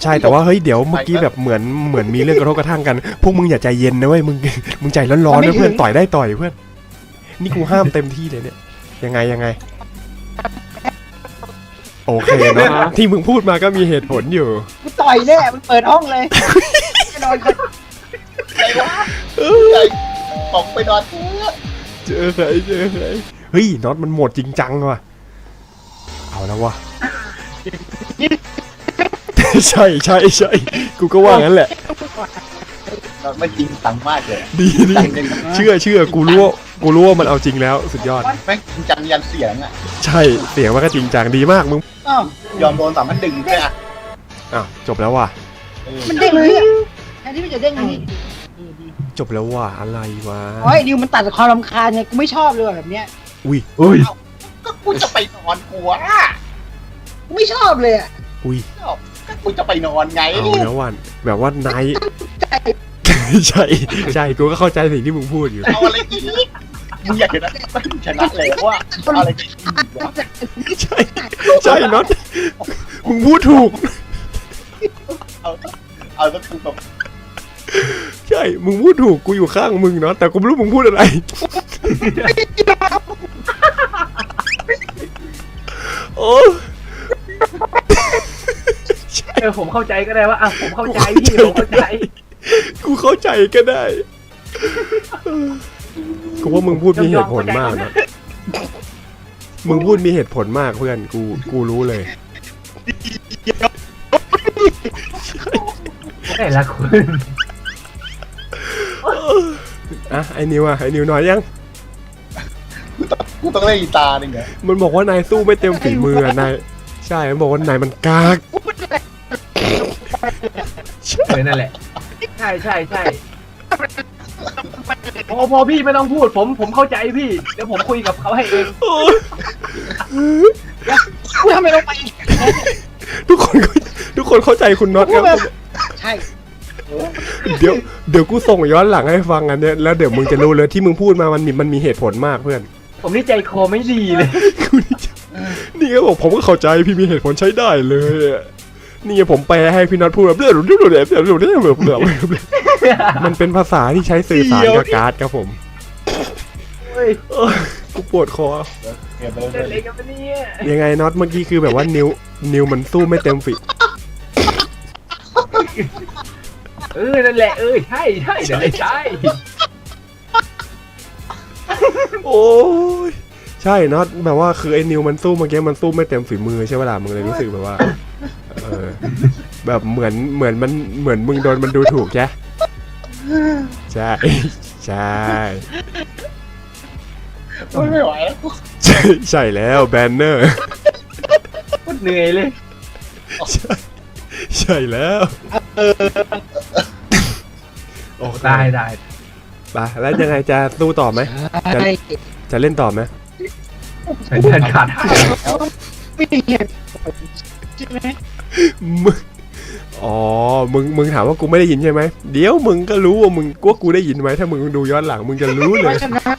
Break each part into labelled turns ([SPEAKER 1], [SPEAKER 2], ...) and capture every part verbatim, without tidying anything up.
[SPEAKER 1] ใช่แต่ว่าเฮ้ยเดี๋ยวเมื่อกี้แบบเหมือนเหมือนมีเรื่องกระทบกระทั่งกันพวกมึงอย่าใจเย็นนะเว้ยมึงมึงใจร้อนๆนะเพื่อนต่อยได้ต่อยเพื่อนนี่กูห้ามเต็มที่เลยเนี่ยยังไงยังไงโอเคเนาะที่มึงพูดมาก็มีเหตุผลอยู่
[SPEAKER 2] กูต่อยแน่มันเปิดห้องเลยไปนอนคน
[SPEAKER 3] อะไรวะออกไปนอน
[SPEAKER 1] เจอใครเจอใครเฮ้ยน็อตมันโหมดจริงจังว่ะเอาแล้ววะใช่ใช่ใช่กูก็ว่างั้นแหละ
[SPEAKER 3] ไม่จริงจังมากเลย
[SPEAKER 1] ดีดีเชื่อเชื่อกูรู้ว่ากูรู้ว่ามันเอาจริงแล้วสุดยอด
[SPEAKER 3] แม่งจริงจังยันเสียงอ่ะ
[SPEAKER 1] ใช่เสียงมันก็จริงจังดีมากมึง
[SPEAKER 3] ยอมโดนสามพันดึงด้วยอ่ะ
[SPEAKER 1] อ้าวจบแล้วว่ะ
[SPEAKER 2] มันเด้งเลยอ่ะแทนที่มันจะเด้งนี่
[SPEAKER 1] จบแล้วว่ะอะไรวะ
[SPEAKER 2] โอ้ยดิวมันตัดความรำคาญไงกูไม่ชอบเลยแบบเนี้ย
[SPEAKER 1] อุ้ยอุ้ย
[SPEAKER 3] ก็กูจะไปนอนกูอ่ะ
[SPEAKER 2] กูไม่ชอบเลยอ่ะ
[SPEAKER 1] อุ้ย
[SPEAKER 3] ก็กูจะไปนอนไง
[SPEAKER 1] เอาแล้ววันแบบว่านายใช่ใช่กูก็เข้าใจสิ่งที่มึงพูดอยู่
[SPEAKER 3] เอาอะไรอีกมึงอยากเห็นนะมันชนะเลยว่าอะไร
[SPEAKER 1] ใช่ใช่น็อตมึงพูดถูก
[SPEAKER 3] เอาเอาสักทีแบบ
[SPEAKER 1] ใช่มึงพูดถูกกูอยู่ข้างมึงเนาะแต่กูไม่รู้มึงพูดอะไรโอ้
[SPEAKER 4] เออผมเข้าใจก็ได้ว่าอ่ะผมเข้าใจพี่ผมเข้าใจ
[SPEAKER 1] กูเข้าใจก็ได้กูว่ามึงพูดมีเหตุผลมากนะมึงพูดมีเหตุผลมากเพื่อนกูกูรู้เลย
[SPEAKER 4] แต่ละคน
[SPEAKER 1] อ่ะไอ้นิวอ่ะไอ้นิวน้อยยัง
[SPEAKER 3] กูต้องเล่นกีตาร์นี่ไง
[SPEAKER 1] มันบอกว่านายสู้ไม่เต็มฝีมือนายใช่มันบอกว่านายมันกาก
[SPEAKER 4] ใช่นั่นแหละใช่ใช่ใช่พอพอพี่ไม่ต้องพูดผมผมเข้าใจพี่เดี๋ยวผมคุยกับเขาให้เอง
[SPEAKER 2] กูทำไมลงไป
[SPEAKER 1] ทุกคนทุกคนเข้าใจคุณน็อตครับ
[SPEAKER 2] ใช่
[SPEAKER 1] เดี๋ยวเดี๋ยวกูส่งย้อนหลังให้ฟังกันเนี่ยแล้วเดี๋ยวมึงจะรู้เลยที่มึงพูดมามันมีมันมีเหตุผลมากเพื่อน
[SPEAKER 4] ผมนี่ใจคอไม่ดีเลย
[SPEAKER 1] นี่ก็บอกผมก็เข้าใจพี่มีเหตุผลใช้ได้เลยนี่ผมแปลให้พี่น็อตพูดแบบเรื่องเรื่องเรื่องเรื่องเรื่องเรื่องเรื่องมันเป็นภาษาที่ใช้สื่อสารกับการ์ดครับผมกูปวดคอยังไงน็อตเมื่อกี้คือแบบว่านิ้วนิ้วมันสู้ไม่เต็มฝี
[SPEAKER 4] เออนั่นแหละเออใช่ใช่เดี๋ยวเลยใช่
[SPEAKER 1] โอ้ยใช่น็อตแบบว่าคือไอ้นิวมันสู้เมื่อกี้มันสู้ไม่เต็มฝีมือใช่ไหมล่ะมึงเลยรู้สึกแบบว่าเออแบบเหมือนเหมือนมันเหมือนมึงโดนมันดูถูกใช่ใช่ใช่
[SPEAKER 3] ไม่ไหวแล้ว
[SPEAKER 1] ใช่ใช่แล้วแบนเนอร์
[SPEAKER 4] พูดเหนื่อยเลย
[SPEAKER 1] ใช่ใช่แล้ว
[SPEAKER 4] โอ้ได้ได้
[SPEAKER 1] ไปแล้วยังไงจะสู้ต่อไหมจะจะเล่นต่อไหม
[SPEAKER 4] เล่นขาด
[SPEAKER 2] ไม่เห็นใช่ไหม
[SPEAKER 1] มึงอ๋อมึงมึงถามว่ากูไม่ได้ยินใช่ไหมเดี๋ยวมึงก็รู้ว่ามึงกูกูได้ยินไหมถ้ามึงดูย้อนหลังมึงจะรู้เลย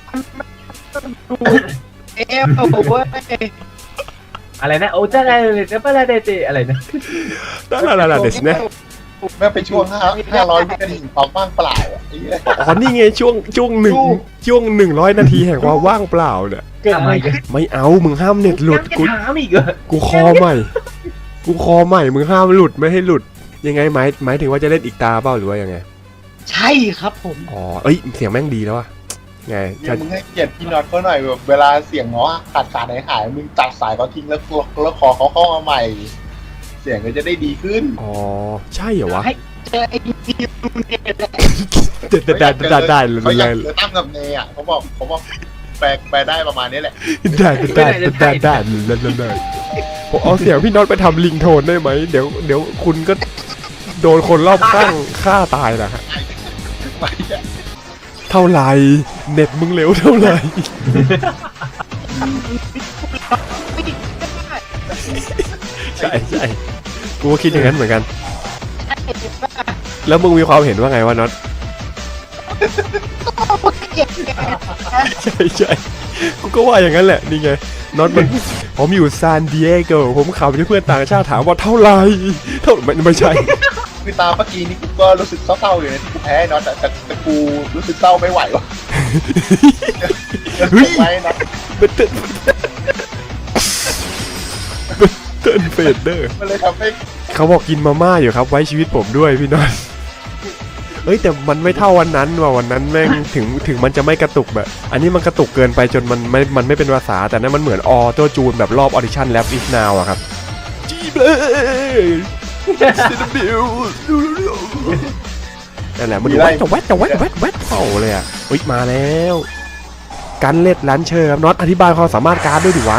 [SPEAKER 2] เอฟโอ้โห
[SPEAKER 4] อะไรนะโอ้จ้าอะไรเลยจะเป็นอะไรเตะอะไรนะ
[SPEAKER 1] ได้ละละเดสเนี่ย
[SPEAKER 3] แม่ไปช่วงห้าห้าร้อยวินาทีความว่างเปล่าอ่ะ
[SPEAKER 1] อ๋อนี่ไงช่วงช่วงหนึ่งช่วงหนึ่งร้อยนาทีแห่งความว่างเปล่าเนี่ยไม่เอามึงห้ามเน็ตหลุดกูกูคอใหม่กูคอใหม่มึงห้ามหลุดไม่ให้หลุดยังไงหมายหมายถึงว่าจะเล่นอีกตาเปล่าหรือว่ายังไง
[SPEAKER 2] ใช่ครับผม
[SPEAKER 1] อ๋อเอ้ยเสียงแม่งดีแล้วอะไง
[SPEAKER 3] จะมึงให้เกียรติพี่น็อตเขาหน่อยแบบเวลาเสียงง้อขาดขาดหายหายมึงตัดสายเขาทิ้งแล้วแล้วขอเขาเข้ามาใหม่เสียงก็จะได้ดีขึ้น
[SPEAKER 1] อ๋อใช่เหรอวะ
[SPEAKER 2] เจอไอ้ดิวเนี่ย
[SPEAKER 1] ได้ได้ได้เลย
[SPEAKER 3] เขาอยากเจอตั้มกับเนยอ่ะเขาบอกเขาบอกแปลแปลได้ประมาณนี้แหละ
[SPEAKER 1] ได้ได้ได้ได้เลยเลยผมเอาเสียงพี่น็อตไปทำลิงโทนได้ไหมเดี๋ยวเดี๋ยวคุณก็โดนคนรอบข้างฆ่าตายนะฮะเท่าไหร่เน็ตมึงเร็วเท่าไหร่ใช่ใช่กูก็คิดอย่างนั้นเหมือนกันแล้วมึงมีความเห็นว่าไงวะน็อตใช่ใช่กูก็ว่าอย่างนั้นแหละนี่ไงน็อตมันผมอยู่ซานดิเอโกผมขับที่เพื่อนต่างชาติถามว่าเท่าไหร่เท่าไม่ไม่ใช่
[SPEAKER 3] คือตามเมื่อกี้นี่กูก็รู้สึกเศร้าๆอยู่นะที่กูแพ้น็อตแต่แต่แต่กูรู้สึกเศร้าไม่ไหววะ
[SPEAKER 1] เฮ้ย
[SPEAKER 3] ไม่น็อต
[SPEAKER 1] เบตเติ้ลเบตเติ้ลเฟดเดอร์
[SPEAKER 3] มันเลยทำให้
[SPEAKER 1] เขาบอกกินมาม่าอยู่ครับไว้ชีวิตผมด้วยพี่น็อตเอ้ยแต่มันไม่เท่าวันนั้นว่ะวันนั้นแม่งถึงถึงมันจะไม่กระตุกแบบอันนี้มันกระตุกเกินไปจนมันไม่มันไม่เป็นภาษาแต่นั่นมันเหมือนออโต้จูนแบบรอบออดิชั่นแรปอีฟนาวอะครับจีเบย์ซินบิวนั่นแหละมันดูแวดจะแวดจะแวดแวดแวดเป่าเลยอะเฮ้ยมาแล้วการเล็ดลันเชอร์ครับน็อตอธิบายความสามารถการ์ดด้วยดิวะ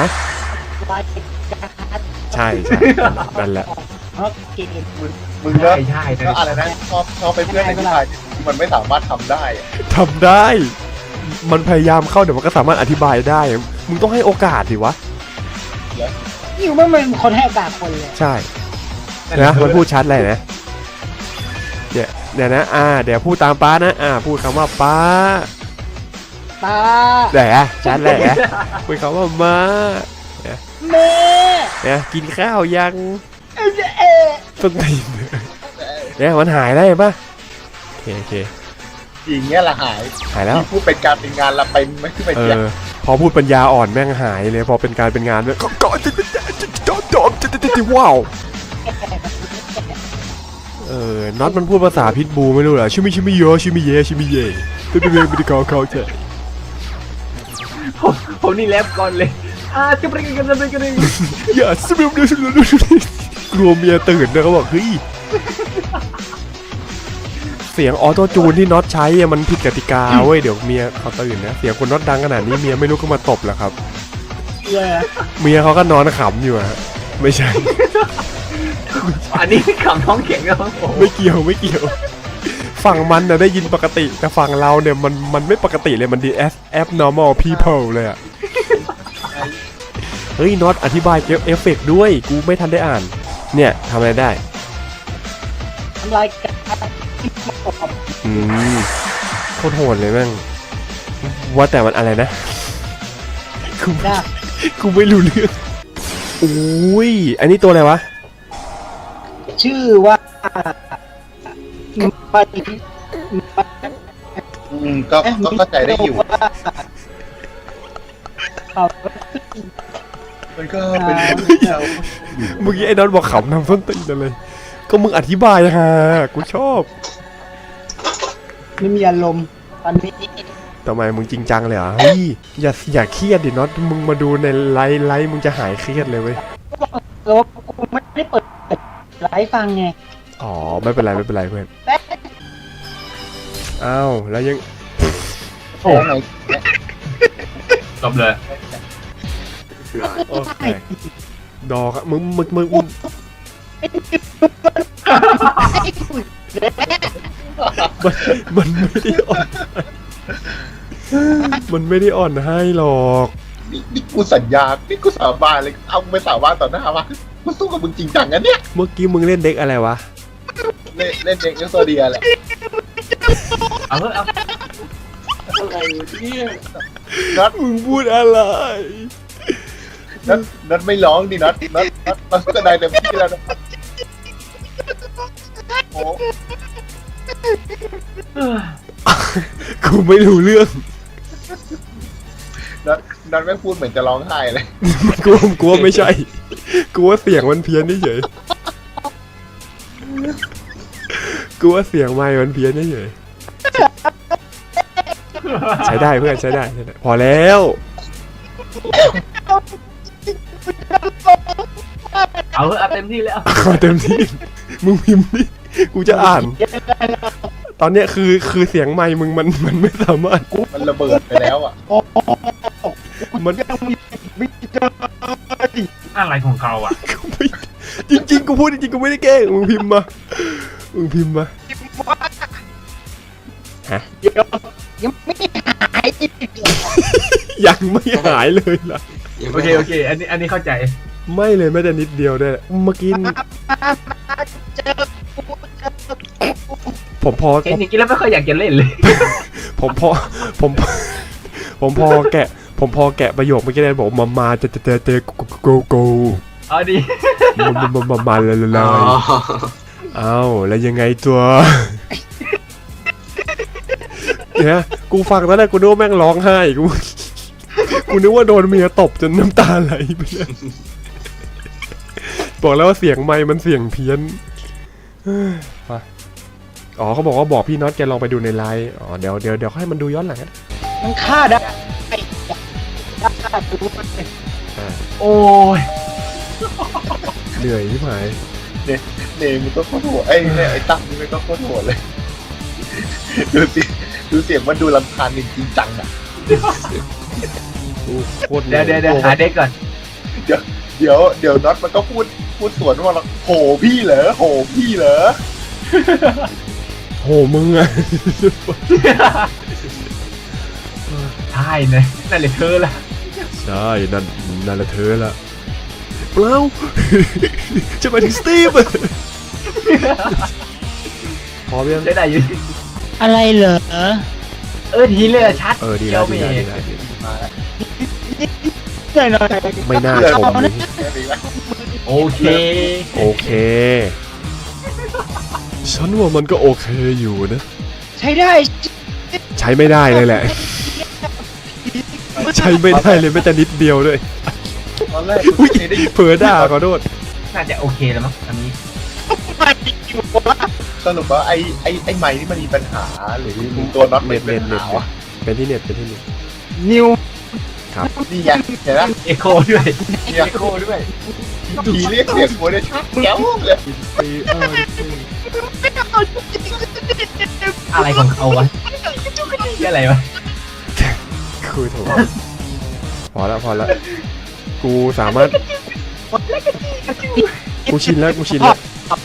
[SPEAKER 1] ใช่ใช่นั่นแหละ
[SPEAKER 2] โอเค
[SPEAKER 3] มึงเนอะ
[SPEAKER 4] ใช่ใช่
[SPEAKER 3] ก็อะไรนะชอบชอบเป็นเพื่อนในที่ชายที่มันไม่สามารถทำได้อะ
[SPEAKER 1] ทำได้ มันพยายามเข้าเดี๋ยวมันก็สามารถอธิบายได้ มึงต้องให้โอกาสดิวะ
[SPEAKER 2] ยิวไม่เป็นคนให้โอกาสคนเลย
[SPEAKER 1] ใช่นะมันพูดชัดเลยนะเดี๋ยวเดี๋ยวนะ อ่า เดี๋ยวพูดตามป้านะ อ่า พูดคำว่าป้า
[SPEAKER 2] ตา
[SPEAKER 1] เดี๋ยวชัดเลยนะพูดคำว่ามา
[SPEAKER 2] แม่
[SPEAKER 1] เนี่ยกินข้าวยัง
[SPEAKER 2] เอ๊ะเอ๊ะ
[SPEAKER 1] ต้นตีนเนี่ยมันหายได้ปะโอเคโอเค
[SPEAKER 3] อย่างเงี้ยละหาย
[SPEAKER 1] หายแล้ว
[SPEAKER 3] ที่พูดเป็นการเป็นงานละเป็นไม่ขึ้นไป
[SPEAKER 1] เอ
[SPEAKER 3] เสีย
[SPEAKER 1] อ พอพูดปัญญาอ่อนแม่งหายเลย พอเป็นการเป็นงานเนี่ยก็ก็จะจะจะจะจะจะจะว้าว เออน็อตมันพูดภาษาพิทบูไม่รู้เหรอชิมิชิมิโยชิมิเยชิมิเยเป็นเป็นเป็นเป็นเขาเขาเถอะ
[SPEAKER 4] ผมผมนี่แรปก่อนเลยอ่าจะไปกันจะไปกันเลย
[SPEAKER 1] อย่าสมิมเดือดกลัวเมียตื่นนะเขาบอกเฮ้ยเสียงออโต้จูนที่น็อตใช้อะมันผิดกติกาเว้ยเดี๋ยวเมียเขาตื่นนะเสียงคนน็อตดังขนาดนี้เมียไม่รู้ก็มาตบแหละครับ
[SPEAKER 2] เย้
[SPEAKER 1] เมียเขาก็นอนขำอยู่อะไม่ใช่
[SPEAKER 4] อันนี้ขำท้องแข็งแล้วผม
[SPEAKER 1] ไม่เกี่ยวไม่เกี่ยว ฝั่งมันนะได้ยินปกติ แต่ฝั่งเราเนี่ยมันมันไม่ปกติเลยมันดี F abnormal people เลยอะเฮ้ยน็อตอธิบายเกี่ยวเอฟเฟกต์ด้วยกูไม่ทันได้อ่าน เนี่ยทำอะไรได้
[SPEAKER 2] ทำลายการ
[SPEAKER 1] อืมโคตรโหดเลยแม่งว่าแต่มันอะไรนะกู
[SPEAKER 2] นะ
[SPEAKER 1] กูไม่รู้เรื่องอุ้ยอันนี้ตัวอะไรวะ
[SPEAKER 2] ชื่อว่าปฏิ
[SPEAKER 3] อืมก็ก็เข้าใจได้อยู่
[SPEAKER 2] เขา
[SPEAKER 3] มันก็เป็น
[SPEAKER 1] เมื่อกี้ไอ้น็อตบอกขำนำส้นตีนอะไรก็มึงอธิบายฮะกูชอบ
[SPEAKER 2] ไม่มีอารมณ์ตอนนี้
[SPEAKER 1] ทำไมมึงจริงจังเลยเหรอเฮ้ยอย่าอย่าเครียดดิน็อตมึงมาดูในไลฟ์ไลฟ์มึงจะหายเครียดเลยเว้ย
[SPEAKER 2] แล้วกูไม่ได้เปิดไลฟ์ฟังไง
[SPEAKER 1] อ๋อไม่เป็นไรไม่เป็นไรเพื่อนอ้าวแล้วยัง
[SPEAKER 3] โอ้ไง
[SPEAKER 4] จบเลย
[SPEAKER 1] โอเคดอกอะมึงมึงมึงมึงมันมันไม่ได้อ่อนมันไม่ได้อ่อนให้หรอก
[SPEAKER 3] นี่นี่กูสัญญานี่กูสาบานเลยเอาไปสาบานต่อหน้าว่ากูสู้กับมึงจริงจังนะเนี่ย
[SPEAKER 1] เมื่อกี้มึงเล่นเด็กอะไรวะ
[SPEAKER 3] เล่นเล่นเด็กเอ็กโซเดียแหละ
[SPEAKER 4] เอาเถอะเอา
[SPEAKER 3] อะไรเนี่ยนัด
[SPEAKER 1] มึงพูดอะไร
[SPEAKER 3] นัดนัดไม่ร้องดินัดนัดนัดนัดแสดงเต็มที่แล้วนะโอ้
[SPEAKER 1] กูไม่รู้เรื่อง
[SPEAKER 3] นัดนัดไม่พูดเหมือนจะร้องไห้เลย
[SPEAKER 1] กูกูว่าไม่ใช่กูว่าเสียงมันเพี้ยนเฉยกูว่าเสียงไมค์มันเพี้ยนเฉยใช้ได้เพื่อนใช้ได้ใช้ได้พอแล้ว
[SPEAKER 4] เอาเถอะเอาเต็มที่แล้ว
[SPEAKER 1] เอาเต็มที่มึงพิมพ์ดิกูจะอ่าน ตอนเนี้ยคือคือเสียงไมค์มึงมันมันไม่สามารถ
[SPEAKER 3] มันระเบิดไปแล้วอ่ะ
[SPEAKER 1] มัน
[SPEAKER 4] อะไรของเขาอ่ะ
[SPEAKER 1] กูไม่จริงๆกูพูดจริงๆกูไม่ได้แกล้งมึงพิมพ์มามึงพิมพ์มา
[SPEAKER 2] เดี๋ยวยังไม่หาย
[SPEAKER 1] ยังไม่หายเลยล่ะ
[SPEAKER 4] โอเคโอเคอันนี้อันนี้เข้าใจ
[SPEAKER 1] ไม่เลยแม้แต่นิดเดียวได้วยเมื่อกี้
[SPEAKER 2] เจอ
[SPEAKER 1] ผมพอ
[SPEAKER 4] เห็นอย่างนี้แล้วไม่ค่อยอยากจะเล่นเลย
[SPEAKER 1] ผมพอผมผมพอแกะผมพอแกะประโยคเมื่อกี้ได้บอกมามาจะจะจะจะโกโก
[SPEAKER 4] เอาดิ
[SPEAKER 1] มามามามามาเลยเลย
[SPEAKER 5] อ๋อ
[SPEAKER 1] เอ้าแล้วยังไงตัวเนี่ยกูฟังตอนแรกกูนึกว่าแม่งร้องไห้กูกูนึกว่าโดนเมียตบจนน้ำตาไหลไปเลยบอกแล้วว่าเสียงไมค์มันเสียงเพี้ยนเฮ้ยไปอ๋อเขาบอกว่าบอกพี่น็อตแกลองไปดูในไลน์อ๋อเดี๋ยวเดี๋ยวเดี๋ยวให้มันดูย้อนหลังกัน
[SPEAKER 2] มันฆ่าได้ฆ่าดูมัน
[SPEAKER 4] โอ้ย
[SPEAKER 1] เหนื่อยที่หาย
[SPEAKER 3] เนมมันก็โคตรโหดไอ้เนี่ยไอ้ตั้มนี่มันก็โคตรโหดเลยดูสิดูเสียงมันดูรำคาญจริงจังอ่ะ
[SPEAKER 1] กูโคตรห
[SPEAKER 4] เดี๋
[SPEAKER 1] นื่
[SPEAKER 4] ยวเดี๋ยวเดี๋ยวหาเด็กก่อน
[SPEAKER 3] เดี๋ยวเดี๋ยวเดี๋ยวน็อตมันก็พูดพูดสวนว่าโหพี่เหรอโหพี่เหรอ
[SPEAKER 1] โหมึงอะ
[SPEAKER 4] ใช่เลยนั่นเลยเธอละ
[SPEAKER 1] ใช่นั่นนั่นแหละเธอละเปล่า จะไปถึงสตีฟพร้อมยัง
[SPEAKER 4] ได้ได้อยู่
[SPEAKER 2] อะไรเหรอ
[SPEAKER 4] เออทีเลยอะชัด
[SPEAKER 1] เออดี
[SPEAKER 4] เดี
[SPEAKER 1] แล้
[SPEAKER 4] ยว ว
[SPEAKER 1] ดี
[SPEAKER 4] เม
[SPEAKER 1] แล้วดี
[SPEAKER 4] ย์
[SPEAKER 1] แล้ว
[SPEAKER 3] มาแล้ว
[SPEAKER 2] หน่อยหน่อย
[SPEAKER 1] ไม่น่าชมเลย
[SPEAKER 3] แค่นี้ละ
[SPEAKER 4] โอเค
[SPEAKER 1] โอเค ฉันว่ามันก็โอเคอยู่นะ
[SPEAKER 2] ใช้ได้
[SPEAKER 1] ใช้ไม่ได้เลยแหละ ใช้ไม่ได้เลยแม้แต่นิดเดียวด้วย
[SPEAKER 3] ตอนแรก
[SPEAKER 1] อุ้ย
[SPEAKER 3] ไม่ได้ยิน
[SPEAKER 1] เผลอด่าขอโทษ
[SPEAKER 4] น่าจะโอเคแล้วมั้งอันนี้
[SPEAKER 2] ไม่อยู่วะ
[SPEAKER 3] สรุปว่าไอ้ไอ้ไอ้ไม้นี่มันมีปัญหาหรือตัวน็อต
[SPEAKER 1] เน็ต
[SPEAKER 3] เป็
[SPEAKER 1] เน็
[SPEAKER 3] น
[SPEAKER 1] ต
[SPEAKER 3] ปัญ
[SPEAKER 1] เน็ต
[SPEAKER 3] หาวะ
[SPEAKER 1] เป็นที่เน็ตเป็นที่เน็ต
[SPEAKER 2] นิว
[SPEAKER 3] นี่ไงเห็นไหม
[SPEAKER 4] เอโคด้วย
[SPEAKER 3] เนี่ย
[SPEAKER 4] เอโคด้วย
[SPEAKER 3] ผีเรียกเสียงหัวได้ชัดแจ๋วเลย
[SPEAKER 4] อะไรของเขาวะนี่อะไรวะ
[SPEAKER 1] คุยโถพอแล้วพอแล้วกูสามารถกูชินแล้วกูชินแล้ว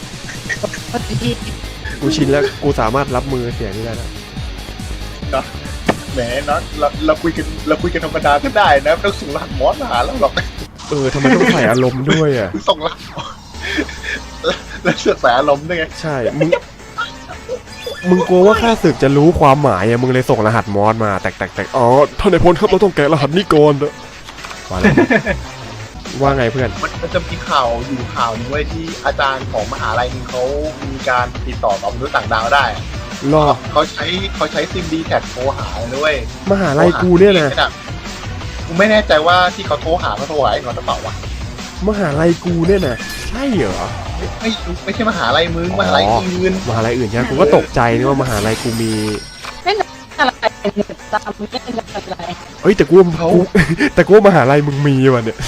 [SPEAKER 1] กูชินแล้วกูสามารถรับมือเสียงนี้ได้แล้ว
[SPEAKER 3] แหมน็อตเราเราคุยกันเราคุยกันธรรมดาก็ได้นะไม่ต้องส่งรหัสมอสมาหาเราหรอก
[SPEAKER 1] เออทำไมต้องใส่อารมณ์ด้วยอ่ะ
[SPEAKER 3] ส่งรหัสแล้วเสือกใส่อารมณ์ด้วยไง
[SPEAKER 1] ใช่ มึง มึงกลัวว่าข้าศึกจะรู้ความหมายอะมึงเลยส่งรหัสมอสมาแตกแตกแตกอ๋อท่านนายพลครับเราต้องแกะรหัสนี้ก่อนนะว่าแล้วว่าไงเพื่อน
[SPEAKER 3] มันมันจะมีข่าวอยู่ข่าวหนึงไว้ยที่อาจารย์ของมหาลัยหนึงเขามีการติดต่อกับมนุษย์ต่างดาวได้
[SPEAKER 1] รอ
[SPEAKER 3] เขาใช้เขาใช้ซิมดีแท็กโทรหาเลยด้วย
[SPEAKER 1] มหาลัยกูเนี่ยนะ
[SPEAKER 3] กูไม่แน่ใจว่าที่เขาโทรหาเขาโทรหาไอ้นอนหรือเปล่าวะ
[SPEAKER 1] มหาลัยกูเนี่ยนะใช่เหรอ
[SPEAKER 3] ไม่ไม่ไม่ใช่มหาลัยมึง
[SPEAKER 1] อ๋อ
[SPEAKER 3] มหาลัยอื่น
[SPEAKER 1] มหาลัยอื่นใช่ไหมกูก็ตกใจนึกว่ามหาลัยกูมี
[SPEAKER 2] อะไรตามไม่ได้อะไร
[SPEAKER 1] เอ้ยแต่กูว่ากูแต่กูว่ามหาลัยมึงมีว่ะเนี่ย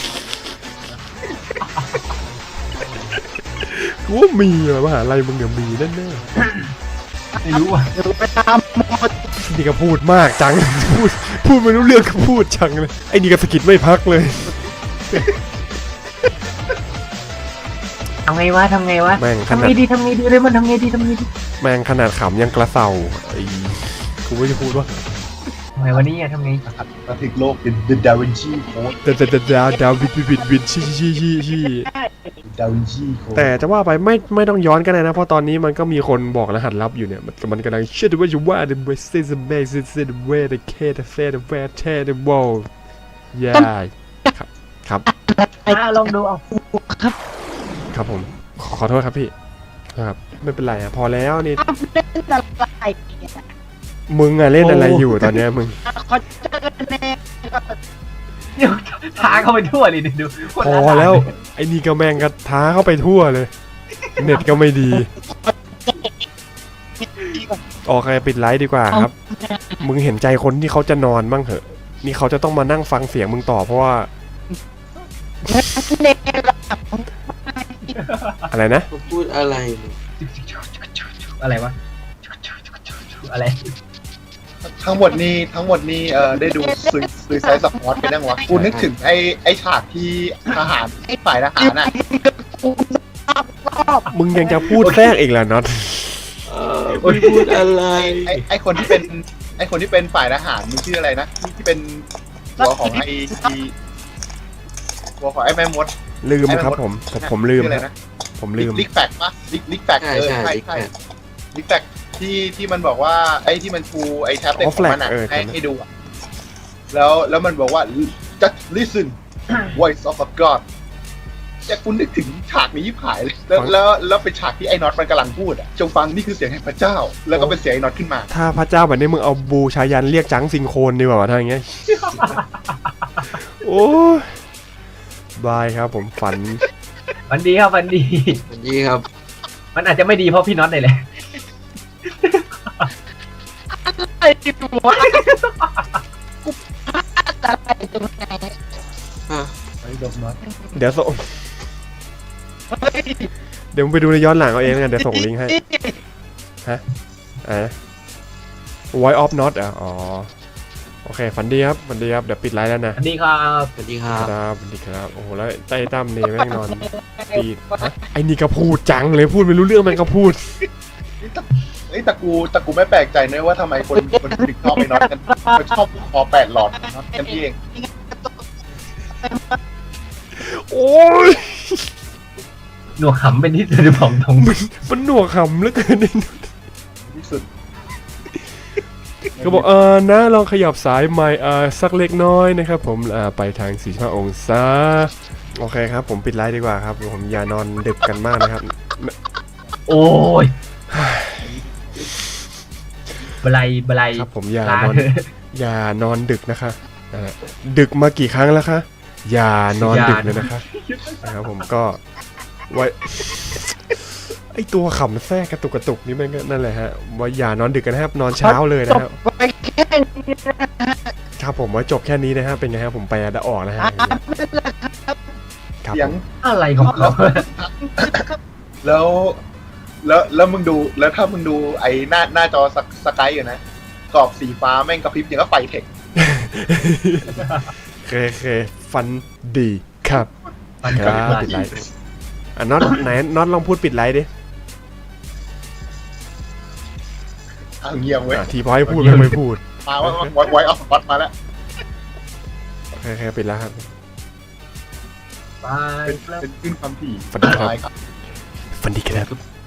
[SPEAKER 1] กูว่ามีว่ะมหาลัยมึงเนี่ยมีแน่
[SPEAKER 4] ไม่รู้อ่ะ
[SPEAKER 2] เดี๋ยวไปตามมอส
[SPEAKER 1] ๆนี่ก็พูดมากจัง พูดพูดไม่รู้เรื่องก็พูดจังเลยไอ้นี่ก็สะกิดไม่พักเลย
[SPEAKER 4] ทำไงวะทำไงวะ
[SPEAKER 1] แม่งข
[SPEAKER 4] ทำ
[SPEAKER 1] นาด
[SPEAKER 4] ไงดีทำไงดีเลยมันทำไงดีทำไงดี
[SPEAKER 1] แม่งขนาดขำยังกระเซาไอ้กูไม่จะพูดว่า
[SPEAKER 4] ทำไงวันนี้อ่ะทำไง
[SPEAKER 3] ๆมาถึงโลกเป็น The Da Vinci Code
[SPEAKER 1] ดาดาดาดาวิดวิดวิดชี้ชี้ชี้ชี้
[SPEAKER 3] Da Vinci Code
[SPEAKER 1] แต่จะว่าไปไม่ไม่ต้องย้อนก็ได้นะเพราะตอนนี้มันก็มีคนบอกรหัสลับอยู่เนี่ยมันมันกำลังเชื่อว่าจะว่า the best is the best is the way the cat the fair the fair tear the wall ย่าครับครับ
[SPEAKER 4] อ่ะลองดูเอา
[SPEAKER 2] ครับ
[SPEAKER 1] ครับผมขอขอโทษครับพี่ครับไม่เป็นไรอ่ะพอแล้วนี่
[SPEAKER 2] เล่นอะไร
[SPEAKER 1] มึงอะเล่นอะไรอยู่ตอนเนี้ยมึง
[SPEAKER 2] ขอเจอกันแน่
[SPEAKER 4] เดี๋ยวท้าเข้าไปทั่วเลยดูคน
[SPEAKER 1] พ
[SPEAKER 4] ละ
[SPEAKER 1] อแล้วไอ้นี่ก็แม่งก็ท้าเข้าไปทั่วเลย เน็ตก็ไม่ดีโอเคปิดไลฟ์ดีกว่าครับ มึงเห็นใจคนที่เขาจะนอนบ้างเหอะ นี่เขาจะต้องมานั่งฟังเสียงมึงต่อเพราะว่า
[SPEAKER 2] เน่
[SPEAKER 1] อะไรนะ
[SPEAKER 5] เขาพูดอะไร
[SPEAKER 4] อะไรวะอะไร
[SPEAKER 3] ทั้งหมดนี้ทั้งหมดนี้เอ่อได้ดูซุยซุยไซส์สปอร์ตกันยังวะกูนึกถึงไอ้ไอ้ฉากที่ทหารไอ้ฝ่ายทหารน่ะ
[SPEAKER 1] มึงยังจะพูดแทรกอีกแล้วน็อต
[SPEAKER 5] เออไม่พูดอะไร
[SPEAKER 3] ไอ้ไอ้คนที่เป็นไอ้คนที่เป็นฝ่ายทหารมันชื่ออะไรนะที่ที่เป็นหัวของไอ้ที่หัวของไอ้แม่มด
[SPEAKER 1] ลืมครับผมผมผมลืม
[SPEAKER 3] ชื่ออะไร
[SPEAKER 1] ค
[SPEAKER 3] นะ
[SPEAKER 1] รับผมลืม
[SPEAKER 3] ลิกแฟกปะลิกลิกแฟก
[SPEAKER 5] ใช่
[SPEAKER 3] เออ
[SPEAKER 5] ใช่
[SPEAKER 3] ใช่
[SPEAKER 5] ลิก
[SPEAKER 3] ใช่
[SPEAKER 5] แฟก
[SPEAKER 3] ลิกแฟกที่ที่มันบอกว่าไอ้ที่มันชูไอ้แท็บเล็ตของมันอ่ะให้ให้ดูอ่ะแล้วแล้วมันบอกว่า just listen voice of a god แต่คุณนึกถึงฉากนี้ยิบหายเลยแล้วแล้วแล้วเป็นฉากที่ไอ้น็อตมันกำลังพูดอ่ะจงฟังนี่คือเสียงแห่งพระเจ้า แล้วก็เป็นเสียงไอ้น็อตขึ้นมา
[SPEAKER 1] ถ้าพระเจ้าแบบนี้มึงเอาบูชายันเรียกจังซิงโครนดีกว่าถ้าอย่างเงี้ย โอ้ยบายครับผมฝัน
[SPEAKER 4] วันดีครับวันดี
[SPEAKER 5] สวัสดีครับ
[SPEAKER 4] มันอาจจะไม่ดีเพราะพี่น็อตเลยแหละ
[SPEAKER 2] ไอ้หัวกูพลาดอะไรตรงไหน
[SPEAKER 3] ไอ้ดอกน็อต
[SPEAKER 1] เดี๋ยวส่ง
[SPEAKER 2] เฮ้ย
[SPEAKER 1] เดี๋ยวมึงไปดูในย้อนหลังเอาเองแล้วกันเดี๋ยวส่งลิงก์ให้ฮะอะไรนะ Voice of Not อ่ะอ๋อโอเคฝันดีครับฝันดีครับเดี๋ยวปิดไลฟ์แล้วนะ
[SPEAKER 4] วันดีครับ
[SPEAKER 5] สวัสดีครับ
[SPEAKER 1] ครับสวัสดีครับโอ้โหแล้วไต้ตั้มนี่แม่งนอนปีดฮะไอ้นี่ก็พูดจังเลยพูดไม่รู้เรื่องมันก็พูด
[SPEAKER 3] ไอ้ยแต่กูแต่กูไม่แปลกใจนะว่าทำไมคนคนถึงชอบไอ้น็อตกันมันชอบคอแปดหลอดน็อตกันเอง
[SPEAKER 1] โอ้ย
[SPEAKER 4] หนวกขำเป็นที่สุดของตรง
[SPEAKER 1] มันหนวกขำเหลือเกินนี่
[SPEAKER 3] ที่สุด
[SPEAKER 1] ก็บอกเออนะลองขยับสายไมค์เออสักเล็กน้อยนะครับผมอ่าไปทางสี่สิบห้าองศาโอเคครับผมปิดไลฟ์ดีกว่าครับผมอย่านอนดึกกันมากนะครับ
[SPEAKER 4] โอ้ยบลายบลาย
[SPEAKER 1] ครับผมอย่า
[SPEAKER 4] ลาน
[SPEAKER 1] อนอย่านอนดึกนะคะนะฮะดึกมากี่ครั้งแล้วคะอย่านอนดึกเลยนะคะนะครับผมก็ไว้ไอตัวขำแทรกกระตุกกระตุกนี่มันก็นั่นแหละฮะว่าอย่านอนดึกกันนะครับนอนเช้าเลย
[SPEAKER 2] จ
[SPEAKER 1] นะ
[SPEAKER 2] บ
[SPEAKER 1] ครับ
[SPEAKER 2] ไปแค่นี้นะฮะ
[SPEAKER 1] ครับผมไว้จบแค่นี้นะครับเป็นไงครับผมไปได้ออกนะฮะครับ
[SPEAKER 3] เสียง
[SPEAKER 4] อะไรของเขา
[SPEAKER 3] แล้วแล้วแล้วมึงดูแล้วถ้ามึงดูไอ้หน้าหน้าจอสกสกายอยู่นะกรอบสีฟ้าแม่งกระพริบอย่างก็ไฟเทค
[SPEAKER 1] เคเคฟันดีครับ
[SPEAKER 4] มัน
[SPEAKER 1] ค
[SPEAKER 4] ก็
[SPEAKER 1] รับปิดไลฟ์อ่ะน็อตไหนน็อตลองพูดปิดไลฟ์ดิ
[SPEAKER 3] อ่ะเงียบเว้ย
[SPEAKER 1] อ่ะทีพอให้พูดไม่ไม่พูด
[SPEAKER 3] มาว่าไว้ไว้เอาวัดมาแล้ว
[SPEAKER 1] โอเคเคปิดแล้วครับ
[SPEAKER 4] ไป
[SPEAKER 3] เป็นเป็นขึ้นความถี่
[SPEAKER 1] ฝันดีครับ
[SPEAKER 3] ตายครับ
[SPEAKER 1] ฟันดีครับ